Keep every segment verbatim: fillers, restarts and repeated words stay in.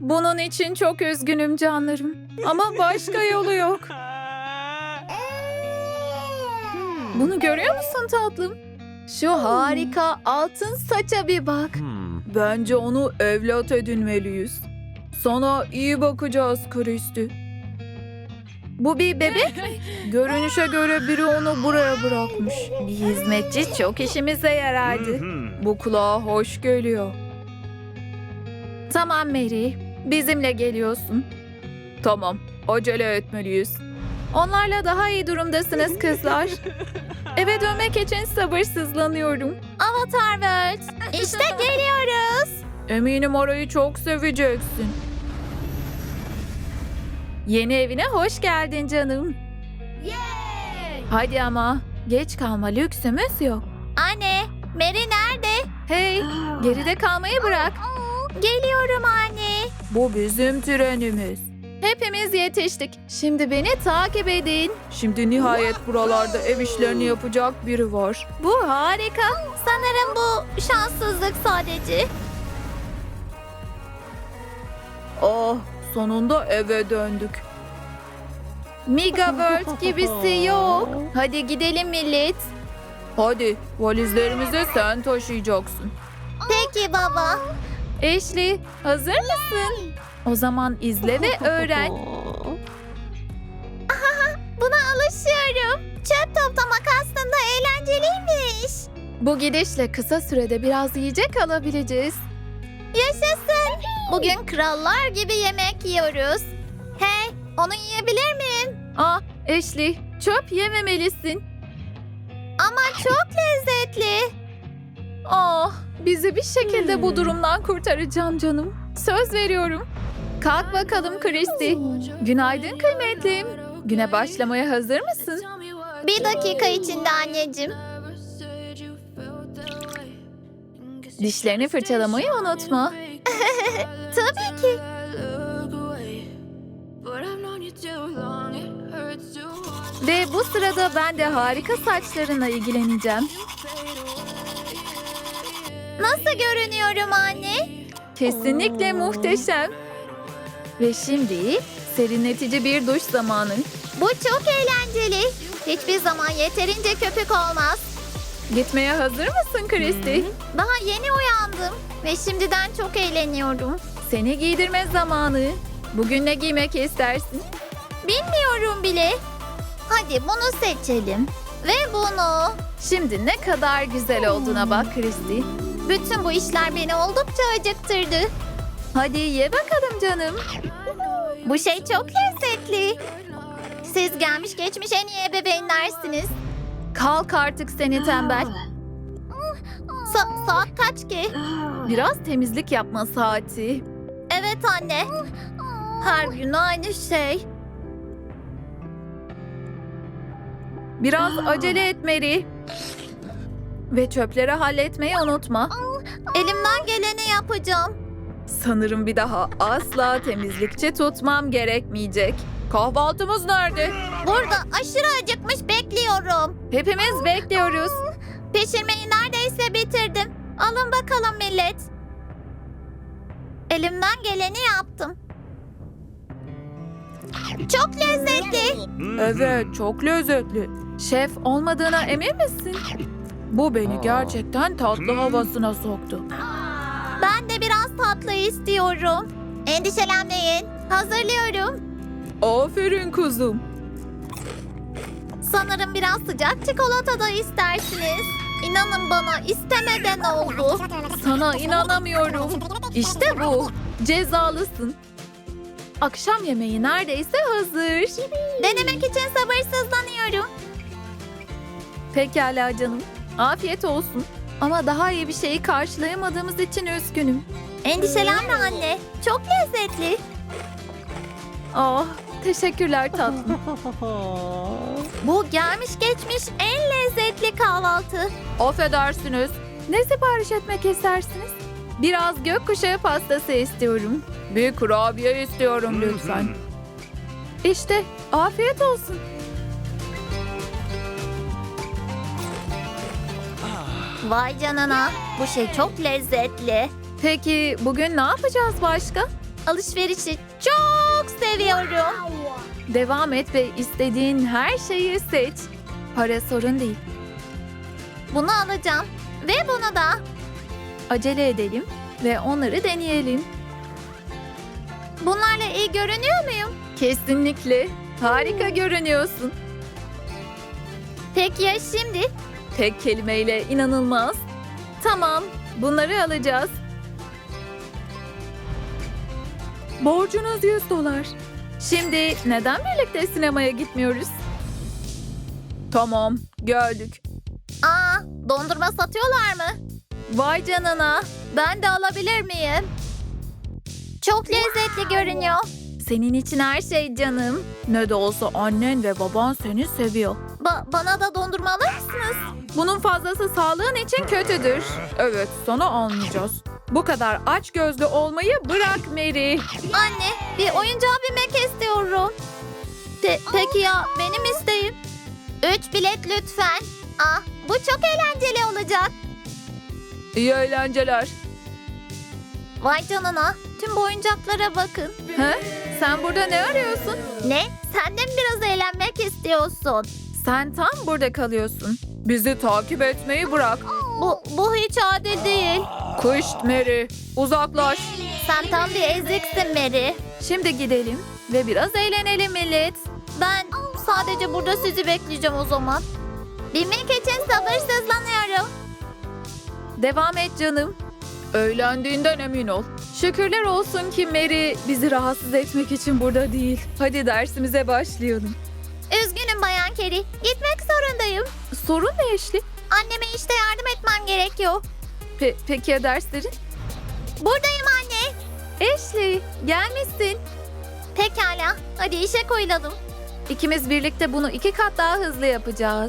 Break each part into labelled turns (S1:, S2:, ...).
S1: Bunun için çok üzgünüm canlarım. Ama başka yolu yok. Bunu görüyor musun tatlım? Şu harika altın saça bir bak. Bence onu evlat edinmeliyiz. Sana iyi bakacağız Kristi. Bu bir bebek mi? Görünüşe göre biri onu buraya bırakmış. Bir hizmetçi çok işimize yarardı. Bu kulağa hoş geliyor. Tamam Mary, bizimle geliyorsun. Tamam, acele etmeliyiz. Onlarla daha iyi durumdasınız kızlar. Eve dönmek için sabırsızlanıyorum. Avatar World, işte geliyoruz. Eminim orayı çok seveceksin. Yeni evine hoş geldin canım. Hadi ama, geç kalma lüksümüz yok. Anne, Mary nerede? Hey, geride kalmayı bırak. Geliyorum anne. Bu bizim trenimiz. Hepimiz yetiştik. Şimdi beni takip edin. Şimdi nihayet buralarda ev işlerini yapacak biri var. Bu harika. Sanırım bu şanssızlık sadece. Oh, sonunda eve döndük. Mega World gibisi yok. Hadi gidelim millet. Hadi, valizlerimizi sen taşıyacaksın.
S2: Peki baba.
S1: Ashley, hazır mısın? O zaman izle ve öğren.
S2: Buna alışıyorum. Çöp toplamak aslında eğlenceliymiş.
S1: Bu gidişle kısa sürede biraz yiyecek alabileceğiz.
S2: Yaşasın. Bugün krallar gibi yemek yiyoruz. Hey, onu yiyebilir miyim?
S1: Ah, Ashley, çöp yememelisin.
S2: Ama çok lezzetli.
S1: Ah, bizi bir şekilde bu durumdan kurtaracağım canım. Söz veriyorum. Kalk bakalım Christy. Günaydın kıymetlim. Güne başlamaya hazır mısın?
S2: Bir dakika içinde anneciğim.
S1: Dişlerini fırçalamayı unutma.
S2: Tabii ki.
S1: Ve bu sırada ben de harika saçlarına ilgileneceğim.
S2: Nasıl görünüyorum anne?
S1: Kesinlikle muhteşem. Ve şimdi serinletici bir duş zamanı.
S2: Bu çok eğlenceli. Hiçbir zaman yeterince köpük olmaz.
S1: Gitmeye hazır mısın Christy?
S2: Daha yeni uyandım ve şimdiden çok eğleniyorum.
S1: Seni giydirme zamanı. Bugün ne giymek istersin?
S2: Bilmiyorum bile. Hadi bunu seçelim. Ve bunu.
S1: Şimdi ne kadar güzel olduğuna bak Christy.
S2: Bütün bu işler beni oldukça acıktırdı.
S1: Hadi ye bakalım canım.
S2: Bu şey çok lezzetli. Siz gelmiş geçmiş en iyi ebeveynlersiniz.
S1: Kalk artık seni tembel.
S2: Sa- saat kaç ki?
S1: Biraz temizlik yapma saati.
S2: Evet anne. Her gün aynı şey.
S1: Biraz acele et Mary. Ve çöpleri halletmeyi unutma.
S2: Elimden geleni yapacağım.
S1: Sanırım bir daha asla temizlikçi tutmam gerekmeyecek. Kahvaltımız nerede?
S2: Burada aşırı acıkmış bekliyorum.
S1: Hepimiz bekliyoruz.
S2: Pişirmeyi neredeyse bitirdim. Alın bakalım millet. Elimden geleni yaptım. Çok lezzetli.
S1: Evet, çok lezzetli. Şef olmadığına emin misin? Bu beni gerçekten tatlı havasına soktu.
S2: Ben de biraz tatlı istiyorum. Endişelenmeyin. Hazırlıyorum.
S1: Aferin kızım.
S2: Sanırım biraz sıcak çikolata da istersiniz. İnanın bana istemeden oldu.
S1: Sana inanamıyorum. İşte bu. Cezalısın. Akşam yemeği neredeyse hazır.
S2: Denemek için sabırsızlanıyorum.
S1: Pekala canım. Afiyet olsun. Ama daha iyi bir şeyi karşılayamadığımız için üzgünüm.
S2: Endişelenme anne. Çok lezzetli.
S1: Ah, teşekkürler tatlım.
S2: Bu gelmiş geçmiş en lezzetli kahvaltı.
S1: Affedersiniz. Ne sipariş etmek istersiniz? Biraz gökkuşağı pastası istiyorum. Bir kurabiye istiyorum lütfen. İşte, afiyet olsun.
S2: Vay canına. Bu şey çok lezzetli.
S1: Peki bugün ne yapacağız başka?
S2: Alışverişi çok seviyorum.
S1: Devam et ve istediğin her şeyi seç. Para sorun değil.
S2: Bunu alacağım ve bunu da.
S1: Acele edelim ve onları deneyelim.
S2: Bunlarla iyi görünüyor muyum?
S1: Kesinlikle. Harika görünüyorsun.
S2: Peki ya şimdi?
S1: Tek kelimeyle inanılmaz. Tamam, bunları alacağız. Borcunuz yüz dolar. Şimdi neden birlikte sinemaya gitmiyoruz? Tamam, geldik.
S2: Aa, dondurma satıyorlar mı?
S1: Vay canına.
S2: Ben de alabilir miyim? Çok lezzetli görünüyor.
S1: Senin için her şey canım. Ne de olsa annen ve baban seni seviyor.
S2: Ba- bana da dondurma alır mısınız?
S1: Bunun fazlası sağlığın için kötüdür. Evet, sana almayacağız. Bu kadar açgözlü olmayı bırak Mary.
S2: Anne, bir oyuncağa binmek istiyorum. Pe- peki ya benim isteğim? Üç bilet lütfen. Ah, bu çok eğlenceli olacak.
S1: İyi eğlenceler.
S2: Vay canına, tüm bu oyuncaklara bakın.
S1: He? Sen burada ne arıyorsun?
S2: Ne? Sen de mi biraz eğlenmek istiyorsun?
S1: Sen tam burada kalıyorsun. Bizi takip etmeyi bırak.
S2: Bu, bu hiç adil değil.
S1: Kışt Mary, uzaklaş.
S2: Sen tam bir eziksin Mary.
S1: Şimdi gidelim ve biraz eğlenelim millet.
S2: Ben sadece burada sizi bekleyeceğim o zaman. Binmek için sabırsızlanıyorum.
S1: Devam et canım. Eğlendiğinden emin ol. Şükürler olsun ki Mary bizi rahatsız etmek için burada değil. Hadi dersimize başlayalım.
S2: Üzgünüm Bayan Carey. Gitmek zorundayım.
S1: Sorun ne Ashley?
S2: Anneme işte yardım etmem gerekiyor.
S1: Pe- peki ya derslerin?
S2: Buradayım anne.
S1: Ashley, gelmişsin.
S2: Pekala. Hadi işe koyulalım.
S1: İkimiz birlikte bunu iki kat daha hızlı yapacağız.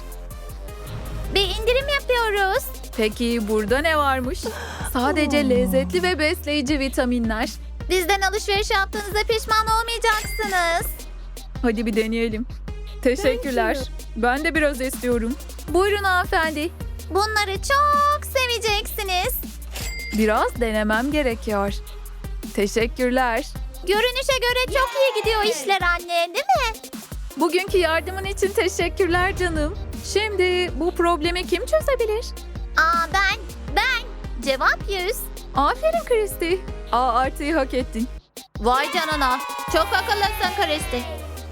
S2: Bir indirim yapıyoruz.
S1: Peki burada ne varmış? Sadece lezzetli ve besleyici vitaminler.
S2: Bizden alışveriş yaptığınızda pişman olmayacaksınız.
S1: Hadi bir deneyelim. Teşekkürler. Ben de biraz istiyorum. Buyurun hanımefendi.
S2: Bunları çok seveceksiniz.
S1: Biraz denemem gerekiyor. Teşekkürler.
S2: Görünüşe göre çok iyi gidiyor işler anne, değil mi?
S1: Bugünkü yardımın için teşekkürler canım. Şimdi bu problemi kim çözebilir?
S2: Aa ben, ben. Cevap yüz.
S1: Aferin Christy. A artıyı hak ettin.
S2: Vay canına. Çok akıllısın Kristi.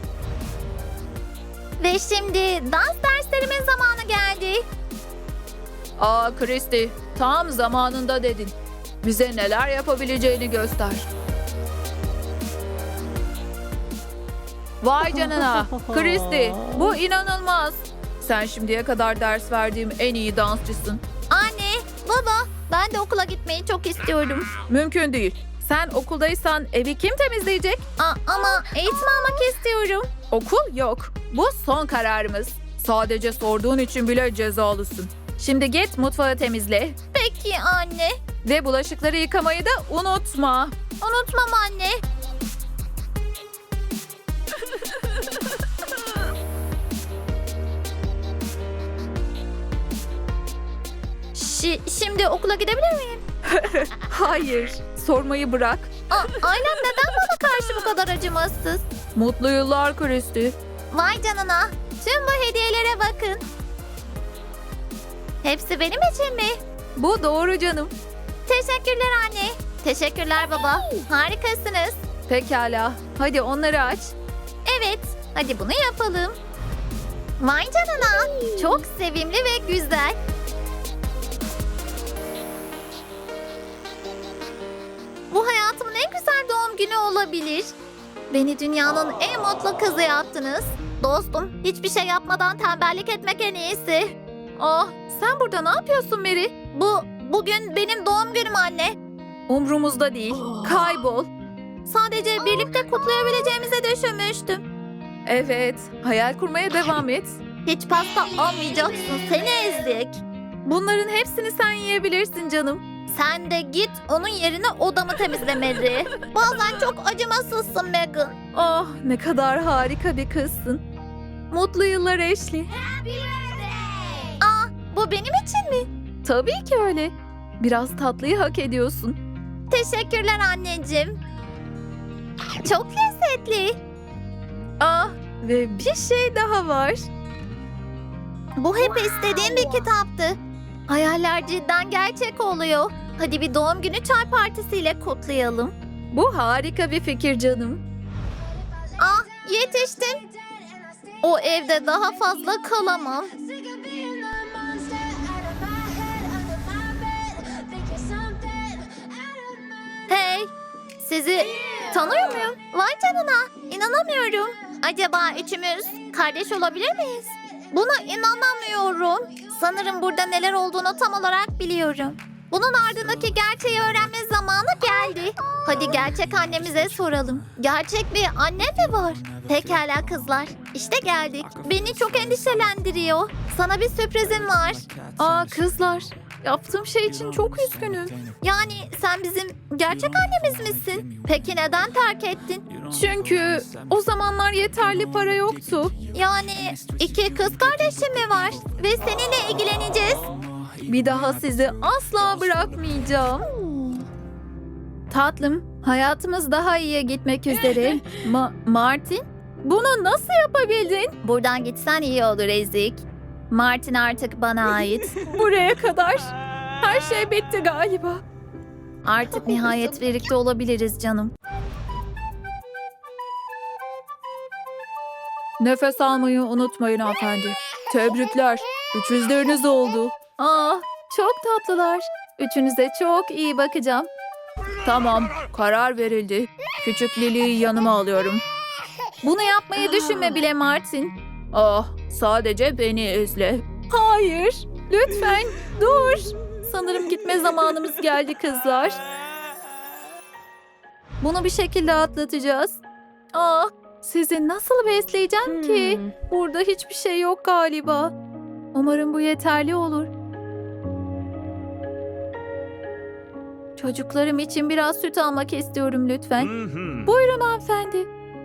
S2: Ve şimdi dans derslerimin zamanı geldi.
S1: Aa Christy, tam zamanında dedin. Bize neler yapabileceğini göster. Vay canına. Christy, bu inanılmaz. Sen şimdiye kadar ders verdiğim en iyi dansçısın.
S2: Anne, baba, ben de okula gitmeyi çok istiyorum.
S1: Mümkün değil. Sen okuldaysan evi kim temizleyecek?
S2: Aa, ama eğitim almak istiyorum.
S1: Okul yok. Bu son kararımız. Sadece sorduğun için bile cezalısın. Şimdi git mutfağı temizle.
S2: Peki anne.
S1: Ve bulaşıkları yıkamayı da unutma.
S2: Unutmam anne. Şi- şimdi okula gidebilir miyim?
S1: Hayır, sormayı bırak.
S2: Aa, ailem neden bana karşı bu kadar acımasız?
S1: Mutlu yıllar Christy.
S2: Vay canına. Tüm bu hediyelere bakın. Hepsi benim için mi?
S1: Bu doğru canım.
S2: Teşekkürler anne. Teşekkürler baba. Harikasınız.
S1: Pekala, hadi onları aç.
S2: Evet, hadi bunu yapalım. Vay canına. Çok sevimli ve güzel. Bu hayatımın en güzel doğum günü olabilir. Beni dünyanın en mutlu kızı yaptınız. Dostum, hiçbir şey yapmadan tembellik etmek en iyisi.
S1: Ah, sen burada ne yapıyorsun Mary?
S2: Bu, bugün benim doğum günüm anne.
S1: Umrumuzda değil. Kaybol.
S2: Sadece birlikte kutlayabileceğimizi düşünmüştüm.
S1: Evet, hayal kurmaya devam et.
S2: Hiç pasta almayacaksın, seni ezik.
S1: Bunların hepsini sen yiyebilirsin canım.
S2: Sen de git onun yerine odamı temizlemeli. Bazen çok acımasızsın Megan.
S1: Ah, ne kadar harika bir kızsın. Mutlu yıllar Ashley.
S2: Aa, bu benim için mi?
S1: Tabii ki öyle. Biraz tatlıyı hak ediyorsun.
S2: Teşekkürler anneciğim. Çok lezzetli.
S1: Ah, ve bir şey daha var.
S2: Bu hep istediğim bir kitaptı. Hayaller cidden gerçek oluyor. Hadi bir doğum günü çay partisiyle kutlayalım.
S1: Bu harika bir fikir canım.
S2: Ah, yetiştim. O evde daha fazla kalamam. Hey, sizi tanıyor muyum? Vay canına, inanamıyorum. Acaba üçümüz kardeş olabilir miyiz? Buna inanamıyorum. Sanırım burada neler olduğunu tam olarak biliyorum. Bunun ardındaki gerçeği öğrenme zamanı geldi. Hadi gerçek annemize soralım. Gerçek bir anne mi var? Pekala kızlar. İşte geldik. Beni çok endişelendiriyor. Sana bir sürprizim var.
S1: Aa kızlar, yaptığım şey için çok üzgünüm.
S2: Yani sen bizim gerçek annemiz misin? Peki neden terk ettin?
S1: Çünkü o zamanlar yeterli para yoktu.
S2: Yani iki kız kardeşim mi var? Ve seninle ilgileneceğiz.
S1: Bir daha sizi asla bırakmayacağım. Tatlım, hayatımız daha iyiye gitmek üzere. Ma- Martin, bunu nasıl yapabildin?
S2: Buradan gitsen iyi olur Ezik. Martin artık bana ait.
S1: Buraya kadar. Her şey bitti galiba.
S2: Artık nihayet birlikte olabiliriz canım.
S1: Nefes almayı unutmayın hanımefendi. Tebrikler. Üçüzleriniz oldu. Aa, çok tatlılar. Üçünüze çok iyi bakacağım. Tamam, karar verildi. Küçük Lily'yi yanıma alıyorum. Bunu yapmayı düşünme bile Martin. Ah, sadece beni izle. Hayır, lütfen dur. Sanırım gitme zamanımız geldi kızlar. Bunu bir şekilde atlatacağız. Ah, sizi nasıl besleyeceğim ki? Burada hiçbir şey yok galiba. Umarım bu yeterli olur. Çocuklarım için biraz süt almak istiyorum lütfen. Buyurun hanımefendi.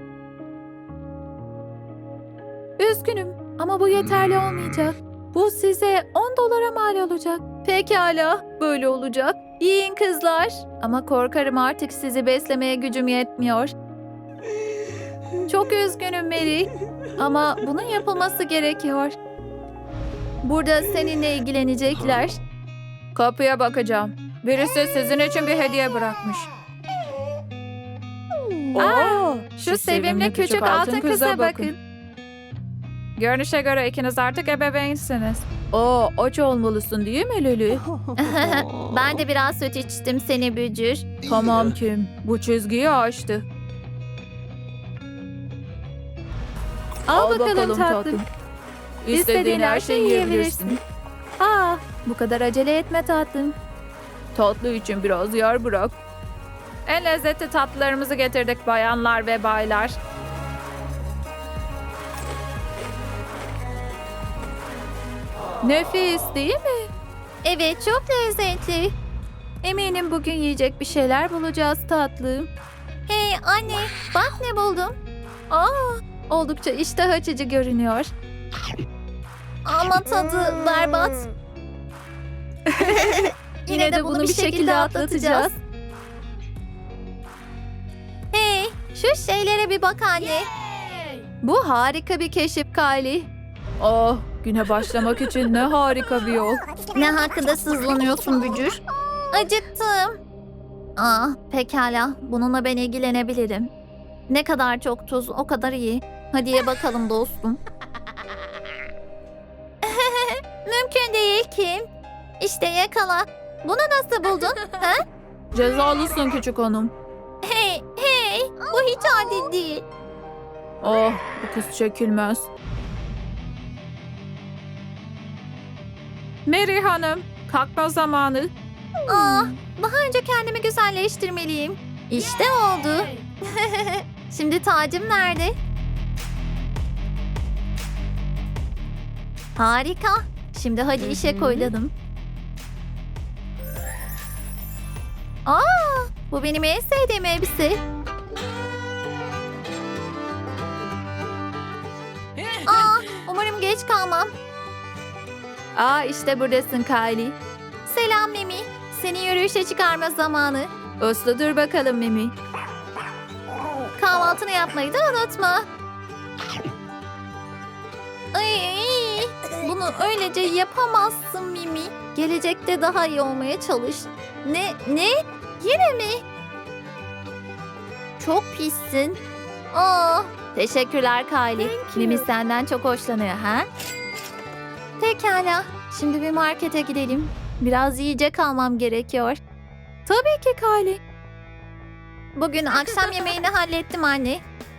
S1: Üzgünüm ama bu yeterli olmayacak. Bu size on dolara mal olacak. Pekala, böyle olacak. Yiyin kızlar. Ama korkarım artık sizi beslemeye gücüm yetmiyor. Çok üzgünüm Mary. Ama bunun yapılması gerekiyor. Burada seninle ilgilenecekler. Kapıya bakacağım. Birisi sizin için bir hediye bırakmış. Aa, şu sevimli küçük altın kıza bakın. Görünüşe göre ikiniz artık ebeveynsiniz. Oo, aç olmalısın değil mi Lili?
S2: Ben de biraz süt içtim seni bücür.
S1: Tamam Kim, bu çizgiyi aştı. Al, bakalım, tatlım. İstediğin her şeyi yiyebilirsin. Aa, bu kadar acele etme tatlım. Tatlı için biraz yer bırak. En lezzetli tatlılarımızı getirdik bayanlar ve baylar. Nefis değil mi?
S2: Evet, çok lezzetli.
S1: Eminim bugün yiyecek bir şeyler bulacağız tatlım.
S2: Hey anne, bak ne buldum.
S1: Aa, oldukça iştah açıcı görünüyor.
S2: Ama tadı berbat.
S1: Yine de bunu bir şekilde atlatacağız.
S2: Hey, şu şeylere bir bak anne.
S1: Bu harika bir keşif Kylie. Oh, güne başlamak için ne harika bir yol.
S2: Ne hakkında sızlanıyorsun bücür? Acıktım. Aa, pekala. Bununla ben ilgilenebilirim. Ne kadar çok tuz, o kadar iyi. Hadi ye bakalım dostum. Mümkün değil Kim. İşte yakala. Bunu nasıl buldun? Ha?
S1: Cezalısın küçük hanım.
S2: Hey, hey. Bu hiç adil değil.
S1: Oh, bu kız çekilmez. Mary Hanım, kalkma zamanı.
S2: Aa, daha önce kendimi güzelleştirmeliyim. İşte oldu. Şimdi tacım nerede? Harika. Şimdi hadi işe koyulalım. Aa, bu benim en sevdiğim elbise. Aa, umarım geç kalmam.
S1: Aa, işte buradasın Kylie.
S2: Selam Mimi. Seni yürüyüşe çıkarma zamanı.
S1: Uslu dur bakalım Mimi.
S2: kahvaltını yapmayı da unutma. Ay, bunu öylece yapamazsın Mimi. Gelecekte daha iyi olmaya çalış. Ne? Ne? Yine mi? Çok pissin. Aa, teşekkürler Kylie. Mimi senden çok hoşlanıyor ha? Pekala. Şimdi bir markete gidelim. Biraz yiyecek almam gerekiyor.
S1: Tabii ki Kylie.
S2: Bugün akşam yemeğini hallettim anne.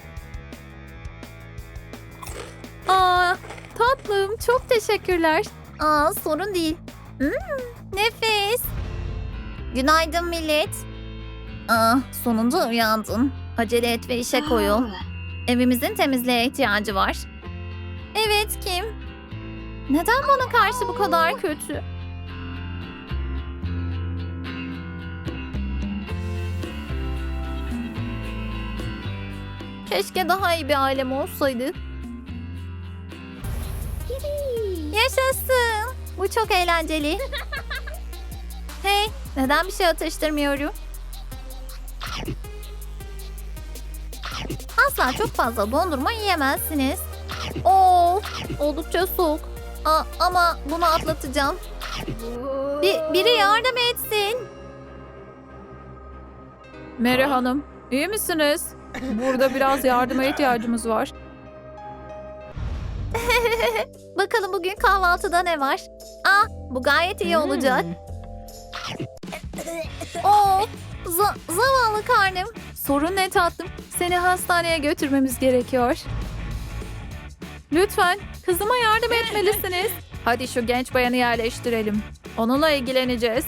S1: Aa, tatlım çok teşekkürler.
S2: Aa, sorun değil. Hmm, nefis. Günaydın millet. Aa, sonunda uyandın. Acele et ve işe koyul. Evimizin temizliğe ihtiyacı var. Evet, Kim? Neden bana karşı bu kadar kötü? Keşke daha iyi bir ailem olsaydı. Yaşasın. Bu çok eğlenceli. Hey, neden bir şey atıştırmıyorum? Asla çok fazla dondurma yiyemezsiniz. Oo, oldukça soğuk. Aa, ama bunu atlatacağım. Bir, biri yardım etsin.
S1: Mary Hanım, iyi misiniz? Burada biraz yardıma ihtiyacımız var.
S2: Bakalım bugün kahvaltıda ne var? Ah, bu gayet iyi olacak. Oo, za- zavallı karnım.
S1: Sorun ne tatlım? Seni hastaneye götürmemiz gerekiyor. Lütfen kızıma yardım etmelisiniz. Hadi şu genç bayanı yerleştirelim. Onunla ilgileneceğiz.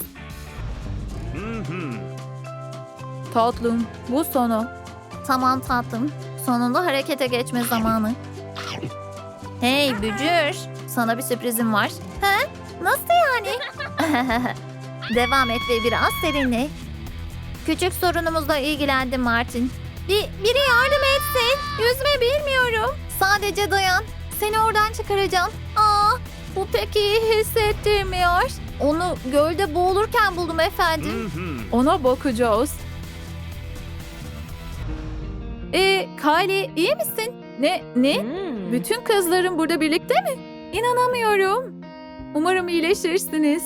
S1: Tatlım, bu sonu.
S2: Tamam tatlım. Sonunda harekete geçme zamanı. Hey Bücür, sana bir sürprizim var. He? Nasıl yani? Devam et ve biraz serinle. Küçük sorunumuzla ilgilendim Martin. Bir, biri yardım etsin. Yüzme bilmiyorum. Sadece dayan. Seni oradan çıkaracağım. Aa, bu pek iyi hissettirmiyor. Onu gölde boğulurken buldum efendim.
S1: Ona bakacağız. Ee, Kylie iyi misin? Ne? Ne? Bütün kızların burada birlikte mi? İnanamıyorum. Umarım iyileşirsiniz.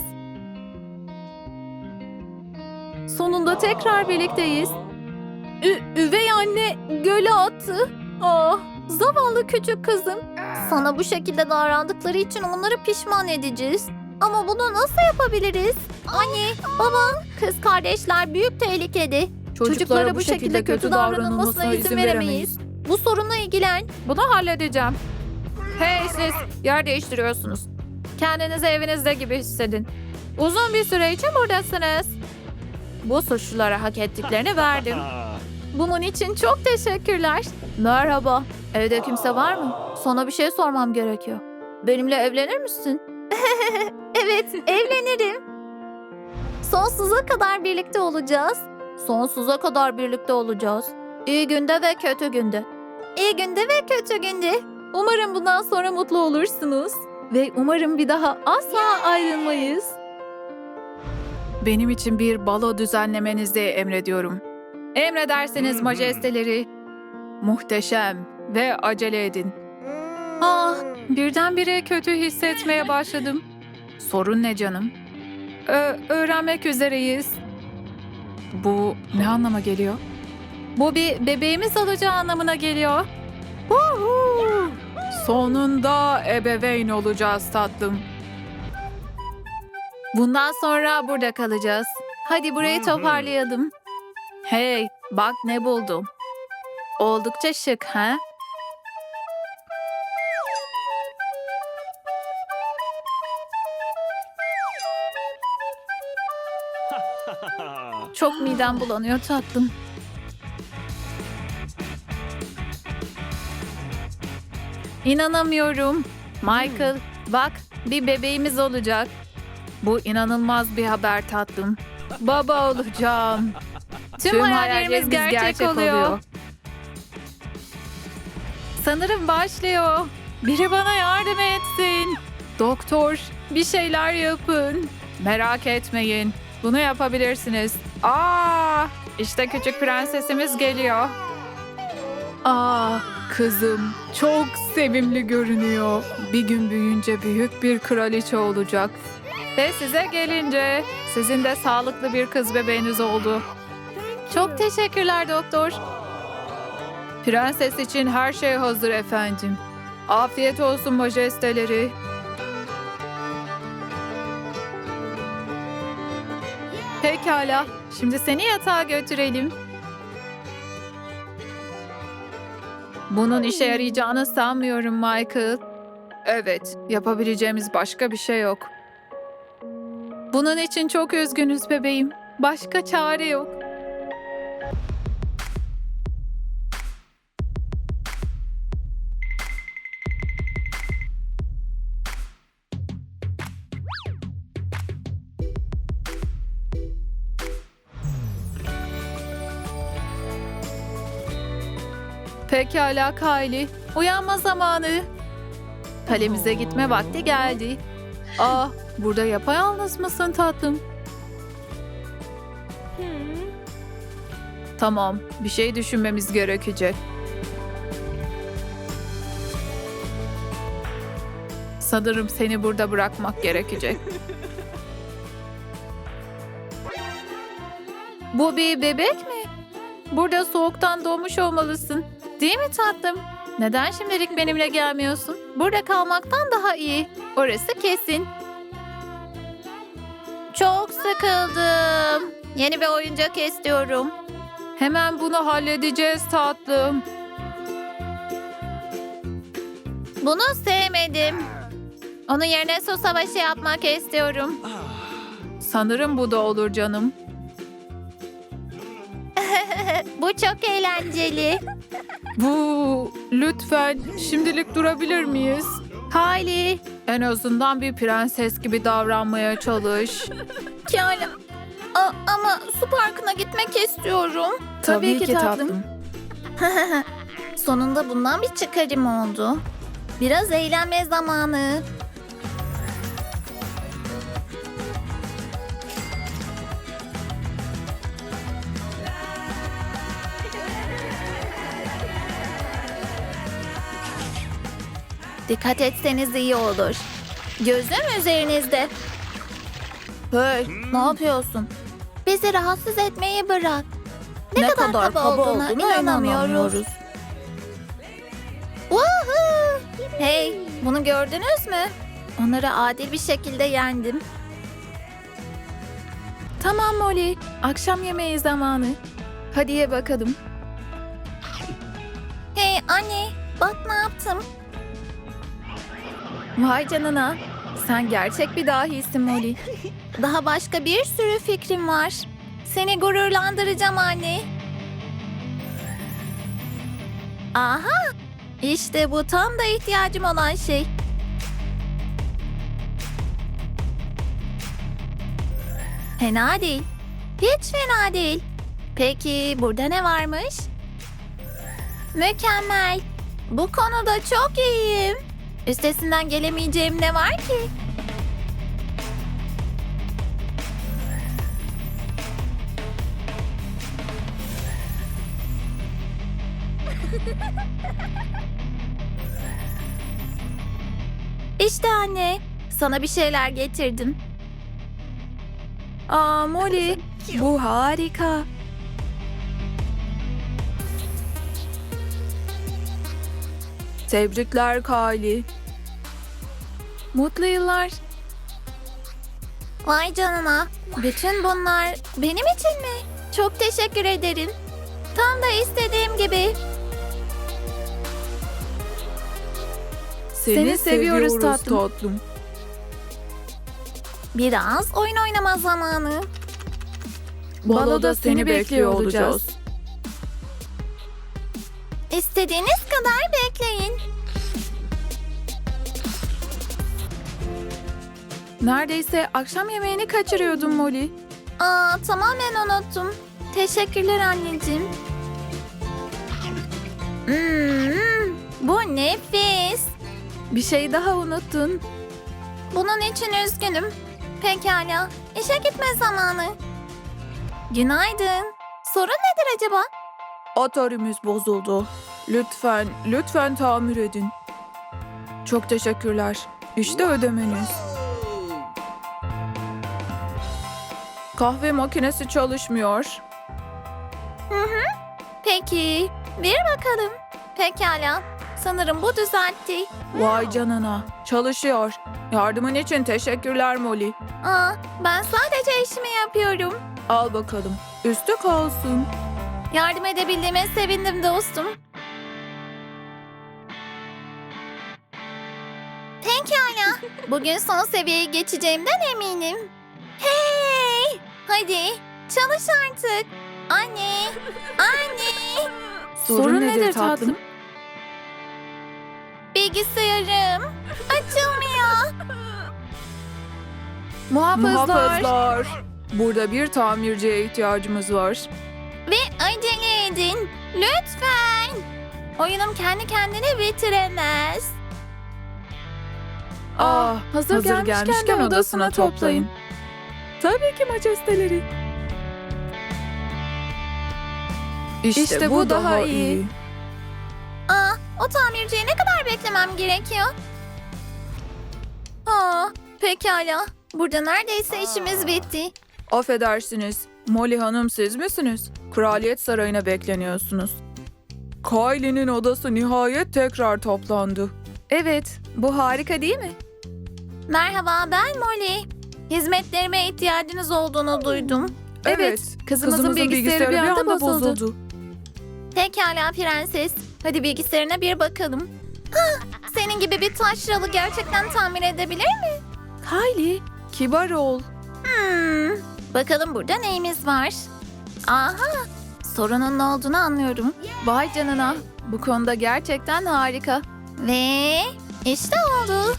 S1: Sonunda tekrar birlikteyiz. Ü üvey anne göle attı. Ah, zavallı küçük kızım.
S2: Sana bu şekilde davrandıkları için onları pişman edeceğiz. Ama bunu nasıl yapabiliriz? Anne, baba, kız kardeşler büyük tehlikede. Çocuklara bu şekilde kötü davranılmasına izin veremeyiz. Bu sorunla ilgilen.
S1: Bunu halledeceğim. Hey siz, yer değiştiriyorsunuz. Kendinizi evinizde gibi hissedin. Uzun bir süre için buradasınız. Bu suçlulara hak ettiklerini verdim. Bunun için çok teşekkürler. Merhaba. Evde kimse var mı? Sana bir şey sormam gerekiyor. Benimle evlenir misin?
S2: Evet, evlenirim. Sonsuza kadar birlikte olacağız.
S1: Sonsuza kadar birlikte olacağız. İyi günde ve kötü günde.
S2: İyi günde ve kötü günde.
S1: Umarım bundan sonra mutlu olursunuz. Ve umarım bir daha asla ayrılmayız. Benim için bir balo düzenlemenizi emrediyorum. Emredersiniz majesteleri. Muhteşem ve acele edin. Ah, birdenbire kötü hissetmeye başladım. Sorun ne canım? Ö- öğrenmek üzereyiz. Bu ne anlama geliyor? Bu bir bebeğimiz olacağı anlamına geliyor. Huhu! Sonunda ebeveyn olacağız tatlım. Bundan sonra burada kalacağız. Hadi burayı toparlayalım. Hey, bak ne buldum. Oldukça şık, ha? Çok midem bulanıyor tatlım. İnanamıyorum. Michael, bak bir bebeğimiz olacak. Bu inanılmaz bir haber tatlım. Baba olacağım. Tüm, hayallerimiz gerçek, oluyor. Sanırım başlıyor. Biri bana yardım etsin. Doktor, bir şeyler yapın. Merak etmeyin. Bunu yapabilirsiniz. Aa, işte küçük prensesimiz geliyor. Aa, kızım çok sevimli görünüyor. Bir gün büyüyünce büyük bir kraliçe olacak. Ve size gelince sizin de sağlıklı bir kız bebeğiniz oldu. Çok teşekkürler doktor. Prenses için her şey hazır efendim. Afiyet olsun majesteleri. Pekala, şimdi seni yatağa götürelim. Bunun işe yarayacağını sanmıyorum Michael. Evet, yapabileceğimiz başka bir şey yok. Bunun için çok üzgünüz bebeğim. Başka çare yok. Pekala Kylie, uyanma zamanı. Kalemize gitme vakti geldi. Aa, burada yapayalnız mısın tatlım? Tamam, bir şey düşünmemiz gerekecek. Sanırım seni burada bırakmak gerekecek. Bu bir bebek mi? Burada soğuktan doğmuş olmalısın. Değil mi tatlım? Neden şimdilik benimle gelmiyorsun? Burada kalmaktan daha iyi. Orası kesin.
S2: Çok sıkıldım. Yeni bir oyuncak istiyorum.
S1: Hemen bunu halledeceğiz tatlım.
S2: Bunu sevmedim. Onun yerine su savaşı yapmak istiyorum.
S1: Sanırım bu da olur canım.
S2: Bu çok eğlenceli.
S1: Bu lütfen şimdilik durabilir miyiz?
S2: Kylie.
S1: En azından bir prenses gibi davranmaya çalış.
S2: Kylie. A- ama su parkına gitmek istiyorum.
S1: Tabii ki tatlım.
S2: Sonunda bundan bir çıkarım oldu. Biraz eğlenme zamanı. Dikkat etseniz iyi olur. Gözüm üzerinizde. Hey, ne yapıyorsun? Bizi rahatsız etmeyi bırak. Ne, kadar, kaba, olduğuna, inanamıyoruz. Woohoo! Hey, bunu gördünüz mü? Onları adil bir şekilde yendim.
S1: Tamam Molly, akşam yemeği zamanı. Hadi ye bakalım.
S2: Hey anne, bak ne yaptım.
S1: Vay canına, sen gerçek bir dahisin Molly.
S2: Daha başka bir sürü fikrim var. Seni gururlandıracağım anne. Aha! İşte bu tam da ihtiyacım olan şey. Fena değil. Hiç fena değil. Peki burada ne varmış? Mükemmel. Bu konuda çok iyiyim. Üstesinden gelemeyeceğim ne var ki? İşte anne, sana bir şeyler getirdim.
S1: Aa Molly, bu harika. Tebrikler Kylie. Mutlu yıllar.
S2: Vay canına, bütün bunlar benim için mi? Çok teşekkür ederim. Tam da istediğim gibi.
S1: Seni,
S2: Seni
S1: seviyoruz,
S2: seviyoruz
S1: tatlım. tatlım.
S2: Biraz oyun oynama zamanı.
S1: Baloda seni bekliyor olacağız.
S2: İstediğiniz kadar bekleyin.
S1: Neredeyse akşam yemeğini kaçırıyordum Molly.
S2: Aa, tamamen unuttum. Teşekkürler anneciğim. Hmm, bu nefis.
S1: Bir şey daha unuttun.
S2: Bunun için üzgünüm. Pekala, işe gitme zamanı. Günaydın. Sorun nedir acaba?
S1: Atari'miz bozuldu. Lütfen, lütfen tamir edin. Çok teşekkürler. İşte ödemeniz. Kahve makinesi çalışmıyor.
S2: Peki, bir bakalım. Pekala, sanırım bu düzeltti.
S1: Vay canına, çalışıyor. Yardımın için teşekkürler Molly.
S2: Aa, ben sadece işimi yapıyorum.
S1: Al bakalım, üstü kalsın.
S2: Yardım edebildiğime sevindim dostum. Pekala, bugün son seviyeye geçeceğimden eminim. Hey! Hadi, çalış artık. Anne, anne.
S1: Sorun, nedir tatlım?
S2: Bilgisayarım açılmıyor.
S1: Muhafızlar.
S2: Muhafızlar.
S1: Burada bir tamirciye ihtiyacımız var.
S2: Ve acele edin. Lütfen. Oyunum kendi kendine bitiremez.
S1: Ah, hazır, gelmişken, odasına toplayın. Tabii ki majesteleri. İşte, bu, daha, iyi.
S2: Aa, o tamirciyi ne kadar beklemem gerekiyor? Aa, pekala. Burada neredeyse işimiz bitti.
S1: Affedersiniz, Molly Hanım siz misiniz? Kraliyet Sarayı'na bekleniyorsunuz. Kylie'nin odası nihayet tekrar toplandı. Evet, bu harika değil mi?
S2: Merhaba, ben Molly. Hizmetlerime ihtiyacınız olduğunu duydum.
S1: Evet, kızımızın, bilgisayarı bir anda bozuldu.
S2: Pekala prenses. Hadi bilgisayarına bir bakalım. Hah, senin gibi bir taşralı gerçekten tamir edebilir mi?
S1: Kylie, kibar ol.
S2: Hmm, bakalım burada neyimiz var? Aha, sorunun ne olduğunu anlıyorum.
S1: Vay canına, bu konuda gerçekten harika.
S2: Ve işte oldu.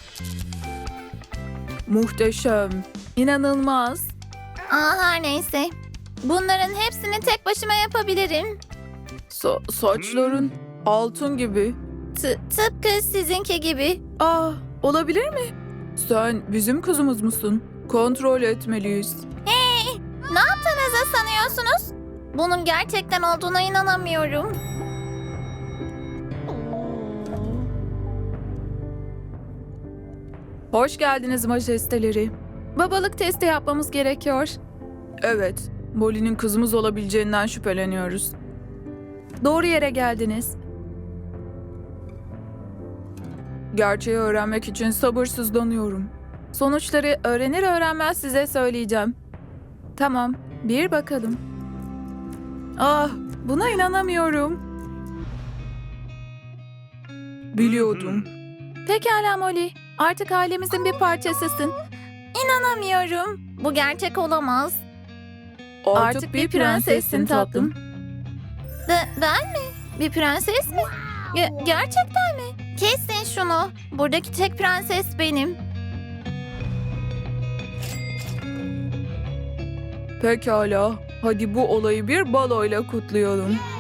S1: Muhteşem, inanılmaz.
S2: Aa, her neyse. Bunların hepsini tek başıma yapabilirim.
S1: Sa- saçların altın gibi.
S2: T- tıpkı sizinki gibi.
S1: Ah, olabilir mi? Sen bizim kızımız mısın? Kontrol etmeliyiz.
S2: Hey, ne yaptığınızı sanıyorsunuz? Bunun gerçekten olduğuna inanamıyorum.
S1: Hoş geldiniz majesteleri. Babalık testi yapmamız gerekiyor. Evet, Molly'nin kızımız olabileceğinden şüpheleniyoruz. Doğru yere geldiniz. Gerçeği öğrenmek için sabırsızlanıyorum. Sonuçları öğrenir öğrenmez size söyleyeceğim. Tamam, bir bakalım. Ah, buna inanamıyorum. Biliyordum. Pekala Molly, artık ailemizin bir parçasısın.
S2: İnanamıyorum. Bu gerçek olamaz.
S1: Artık, bir prensessin tatlım.
S2: De- ben mi? Bir prenses mi? Ge- gerçekten mi? Kesin şunu. Buradaki tek prenses benim.
S1: Pekala, hadi bu olayı bir baloyla kutlayalım.